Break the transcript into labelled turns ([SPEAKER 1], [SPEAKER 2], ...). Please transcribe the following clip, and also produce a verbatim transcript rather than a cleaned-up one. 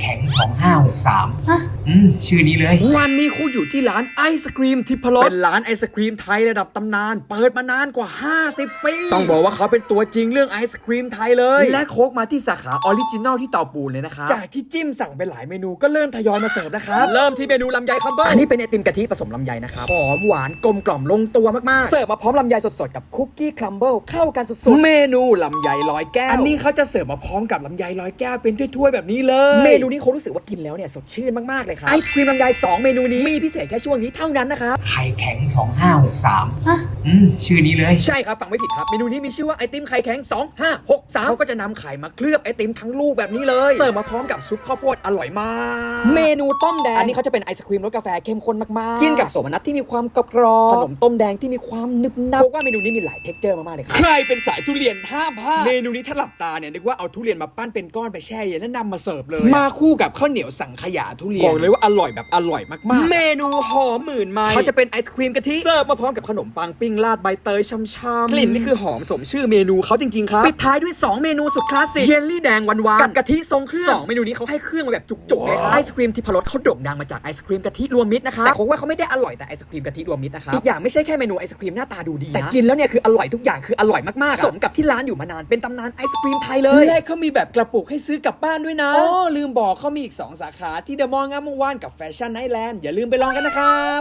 [SPEAKER 1] ข็งสองห้าหกสามฮะอืมชื่อนี้เลย
[SPEAKER 2] วันนี้ครูอยู่ที่ร้านไอศครีมทิพรสเป็นร้านไอศครีมไทยระดับตำนานเปิดมานานกว่าห้าสิบปีต้องบอกว่าเขาเป็นตัวจริงเรื่องไอศครีมไทยเลยและโค้กมาที่สาขาออริจินอลที่เตาปูนเลยนะครับจากที่จิ้มสั่งไปหลายเมนูก็เริ่มทยอยมาเสิร์ฟนะครับเริ่มที่เมนูลำไยคัมเบอร์อันนี้เป็นไอติมกะทิผสมลำไยนะครับหอมหวานกลมกล่อมลงตัวมากๆเสิร์ฟมาพร้อมลำไยสดๆกับคุกกี้ครัมเบิลเข้ากันสุดๆเมนูลำไยร้อยแก้วอันนี้เขาจะเสิร์ฟมาพร้อมกับลำไยร้อยแก้วเป็นถ้วยๆแบบนี้เลยเมนูนี้เขารู้สึกว่ากินแล้วเนี่ยสดชื่นมากๆเลยครับไอศครีมลำไยสองเมนูนี้มีพิเศษแค่ช่วงนี้เท่านั้นนะครับ
[SPEAKER 1] ไข่แข็งสองห้าหกสามฮะอืมชื่อนี้เลย
[SPEAKER 2] ใช่ครับฟังไม่ผิดครับเมนูนี้มีชื่อว่าไอติมไข่แข็งสองห้าหกสามเขาก็จะนำไข่มาเคลือบไอติมทั้งลูกแบบนี้เลยเสิร์ฟมาพร้อมกับซุปข้าวโพดอร่อยมากเมนูต้มแดงอันนี้เขาจะเป็นไอศครีมรสกาแฟเข้มข้นมากๆกินกับโสมนัสที่มีความกรอบขนมต้มแดงที่มีความนึบนับเพราะว่าเมนูนี้มีหลายเท็กเจอร์มากๆเลยครับใครเป็นสายทุเรียนห้ามพลาดเมนูนี้ถ้าหลับตาเนี่ยนึกว่าเอาทุเรียนมาปั้นเป็นก้อนไปแช่เย็นแล้วนำมาเสิร์ฟเลยมาคู่กับข้าวเหนียวสังขยาทุเรียนบอกเลยว่าอร่อยแบบอร่อยมากๆเมนูหอมหมื่นไม้เขาจะเป็นไอศครีมกะทิเสิร์ฟมาพร้อมกับขนมปังปิ้งราดใบเตยช่ำๆกลิ่นนี่คือหอมสมชื่อเมนูเขาจริงๆครับปิดท้ายด้วยสองเมนูสุดคลาสสิกเยลลี่แดงหวานๆกับกะทิทรงเครื่องสองเมนูนี้เขาให้เครื่องมาแบบจุกๆเลยครับไอศครีมทิพรสเขาโด่งดังมาจากไอศครีมกะทิรวมมิตรนะครับแต่ผมว่าเขาไม่ได้อร่อยแต่ไอศครีมกะทิรวมมิตรนะครับอีกอย่างไม่ใช่แค่เมนูไอศครีมหน้าตาดูดีแต่กินแล้วเนี่ยคืออร่อยทุกอย่างคืออร่อยมากๆสมกับที่ร้านอยู่มานานเป็นตำนานไอศครีมไทยเลยและเขามีแบบกระปุกให้ซื้อกลับบ้านด้วยนะอ๋อลืมบอกเขามีอีกสองสาขาที่เดอะมอลล์งามวงวานกับแฟชั่นไนท์แลนด์อย่าลืมไปลองกันนะครับ